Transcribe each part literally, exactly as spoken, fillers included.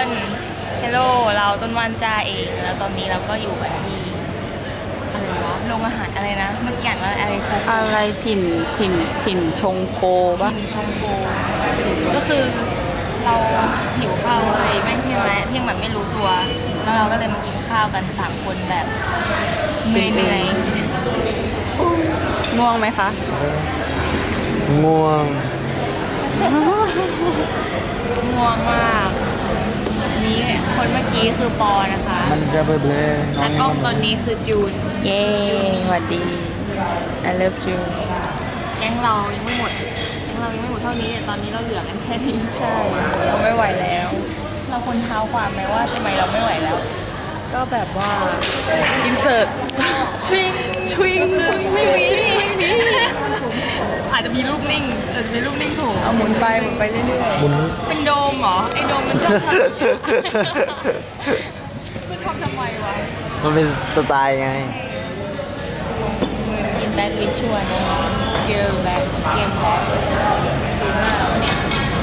เฮลโลเราต้นวันจ้าเองแล้วตอนนี้เราก็อยู่กันที่อะไรวะโรงอาหารอะไรนะเมื่อกี้อ่านว่าอะไรคะอะไรถิ่นถิ่นถิ่นชงโคปะถิ่นชงโคก็คือเราหิวข้าวเลยแม่งเที่ยงแล้วเที่ยงแบบไม่รู้ตัวแล้วเราก็เลยมากินข้าวกันสามคนแบบเหนื่อยเหนื่อยง่วงไหมคะง่วงง่วงมากนี้คนเมื่อกี้คือปอนะคะมันจะเบลเบลตากล้องตอนนี้คือจูนเย้สวัสดี I love you แก๊งเรายังไม่หมดแก๊งเรายังไม่หมดเท่านี้แต่ตอนนี้เราเหลือกันแค่นี้ใช่เราไม่ไหวแล้วเราคนเท้าความไหมว่าทำไมเราไม่ไหวแล้วก็แบบว่าอินเสิร์ตชวิงชวิงชวิงชวิงอาจจะมีรูปนิ่งอาจจะมีรูปนิ่งถูกเอาหมุนไปหมุนไปเรื่อยๆหมุนเป็นโดมเหรอไอโดมมันชอบทำมันทำทำไมวะมันเป็นสไตล์ไงกินแบล็คลิชวลสเกลแบล็คสเกลแบล็คสูงมากแล้วเนี่ย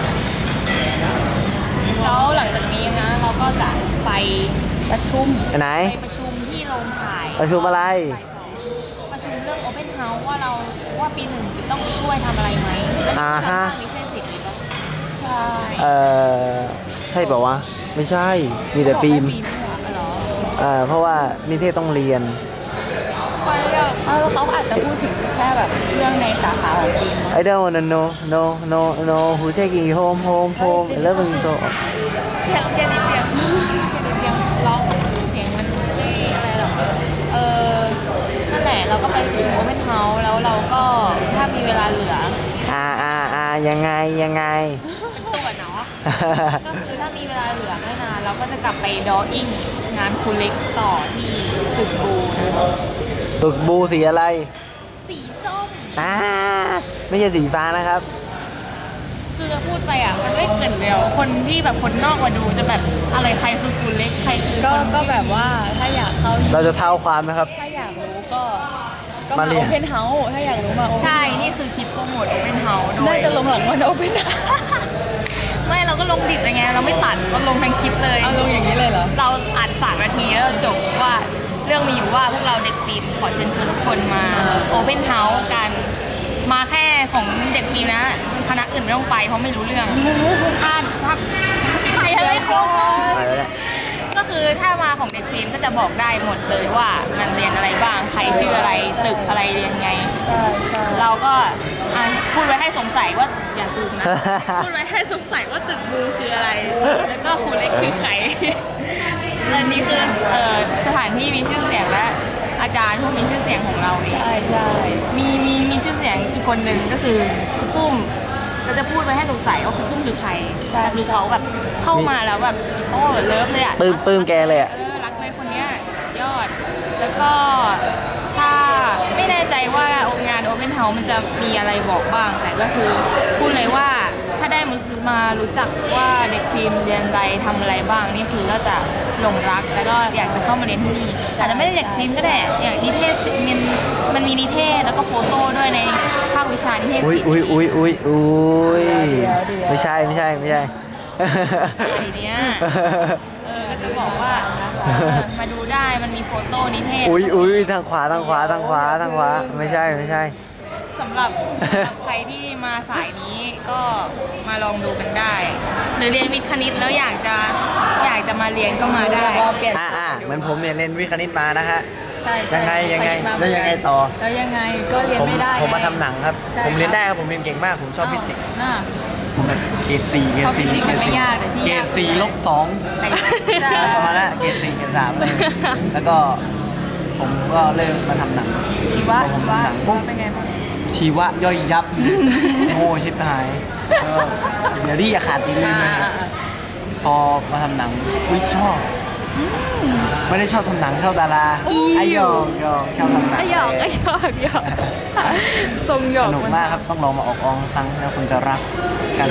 แล้วหลังจากนี้นะเราก็จะไปประชุมไปไหนไปประชุมที่โรงถ่ายประชุมอะไรประชุมเรื่อง Open House ว่าเราว่าปีหนึ่งจะต้องช่วยทำอะไรไหมอ่าฮะลิเซนสิทธิ์หรือเปล่าใช่เออใช่เปล่าวะไม่ใช่มีแต่ฟิล์มเออเพราะว่านิเทศต้องเรียนไปอ่ะเออเขาอาจจะพูดถึงแค่แบบเรื่องในสาขาของฟิล์ม I don't wanna know no no no who taking you home home home I love you so แค่แค่นิดเดียวแค่นิดเดียวร้องเสียงมันไม่อะไรหรอกเออนั่นแหละเราก็ไปประชุม Open House แล้วเราก็ถ้ามีเวลาเหลืออ่าอ่าอ่ายังไงยังไงเป็นตัวเนาะก็คือถ้ามีเวลาเหลือไม่นานเราก็จะกลับไปดออิ่งงานคูเล็กต่อที่ตึกบูนะตึกบูสีอะไรสีส้มอ่าไม่ใช่สีฟ้านะครับคือจะพูดไปอ่ะมันไม่เกินเดียวคนที่แบบคนนอกมาดูจะแบบอะไรใครคือคูเล็กใครคือก็ก็แบบว่าถ้าอยากเข้าเราจะเท้าความนะครับถ้าอยากรู้ก็ก็มาโอเพนเฮาส์ถ้าอยากรู้มาใช่นี่คือคลิปโปรโมทโอเพนเฮาส์โดยน่าจะลงหลังวันโอเพนไม่เราก็ลงดิบอะไรเงี้ยเราไม่ตัดก็ลงทั้งคลิปเลยเอาลงอย่างนี้เลยเหรอเราอัดสามนาทีแล้วจบว่าเรื่องมีอยู่ว่าพวกเราเด็กฟิล์มขอเชิญชวนทุกคนมาโอเพนเฮาส์กันมาแค่ของเด็กฟิล์มนะคณะอื่นไม่ต้องไปเพราะไม่รู้เรื่องถ้าถ้าใครอะไรเขาก็คือถ้ามาของเด็กฟิล์มก็จะบอกได้หมดเลยว่ามันเรียนอะไรบ้างใครชื่ออะไรตึกอะไรเรียนไงเราก็พูดไว้ให้สงสัยว่าอย่าซูมนะพูดไว้ให้สงสัยว่าตึกบูคืออะไรแล้วก็ครูเล็กคือใครและนี่คือสถานที่มีชื่อเสียงและอาจารย์ผู้มีชื่อเสียงของเราเองใช่ใช่มีมีมีชื่อเสียงอีกคนหนึ่งก็คือครูปุ้มเราจะพูดไว้ให้สงสัยว่าครูปุ้มคือใครแต่คือเขาแบบเข้ามาแล้วแบบโอ้เลิฟเลยอ่ะปื้มปื้มแกเลยอ่ะเออรักเลยคนเนี้ยสุดยอดแล้วก็ถ้าไม่แน่ใจว่างาน Open House มันจะมีอะไรบอกบ้างแต่ก็คือพูดเลยว่าถ้าได้มารู้จักว่าเด็กฟิล์มเรียนอะไรทำอะไรบ้างนี่คือก็จะหลงรักแล้วก็อยากจะเข้ามาเรียนที่นี่อาจจะไม่ได้เด็กฟิล์มก็ได้อย่างนิเทศมันมันมีนิเทศแล้วก็โฟโต้ด้วยในภาควิชานิเทศศิลป์อุ้ยอุ้ยอุ้ยอุ้ยไม่ใช่ไม่ใช่ไม่ใช่ไอเนี้ยเออก็จะบอกว่ามาดูได้มันมีโฟโต้นิเทศอุ้ยอุ้ยทางขวาทางขวาทางขวาทางขวาไม่ใช่ไม่ใช่สำหรับใครที่มาสายนี้ก็มาลองดูกันได้หรือเรียนวิทย์คณิตแล้วอยากจะอยากจะมาเรียนก็มาได้อ่าอ่าเหมือนผมเนี่ยเรียนวิทย์คณิตมานะฮะยังไงยังไงแล้วยังไงต่อแล้วยังไงก็เรียนไม่ได้ผมมาทำหนังครับผมเรียนได้ครับผมเรียนเก่งมากผมชอบฟิสิกส์ผมแบบเกรดสี่เกรดสี่เกรดสี่เกรดสี่ลบสองประมาณนั้นเกรดสี่เกรดสามเลยแล้วก็ผมก็เริ่มมาทำหนังชีวะชีวะเป็นไงบ้างชีวะย่อยยับโง่ชิบหายเดี๋ยวดิอย่าขาดอีกเลยพอมาทำหนังวิชอบไม่ได้ชอบทำหนังชอบดาราไอยอกยอกชอบทำหนังไอยอกไอยอกยอกทรงหยอกสนุกมากครับต้องลองมาออกอองครั้งแล้วคุณจะรักกัน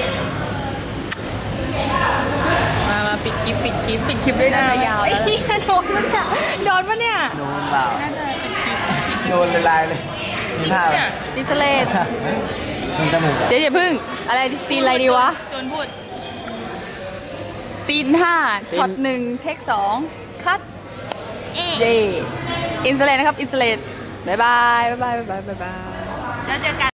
มามาปิดคลิปปิดคลิปปิดคลิปด้วยน่าจะยาวแล้วโดนมันเนี่ยโดนมันเนี่ยโดนเปล่าน่าจะปิดคลิปโดนเลยลายเลยจริงเนี่ยดิสเลสมันจมูกเดี๋ยวอย่าพึ่งอะไรซีอะไรดีวะจนพูดซีนห้าช็อตหนึ่งเทคสองคัดเอ๊ะเย่อินสเลตนะครับอินสเลตบายบายบายบายบายบายแล้วเจอกัน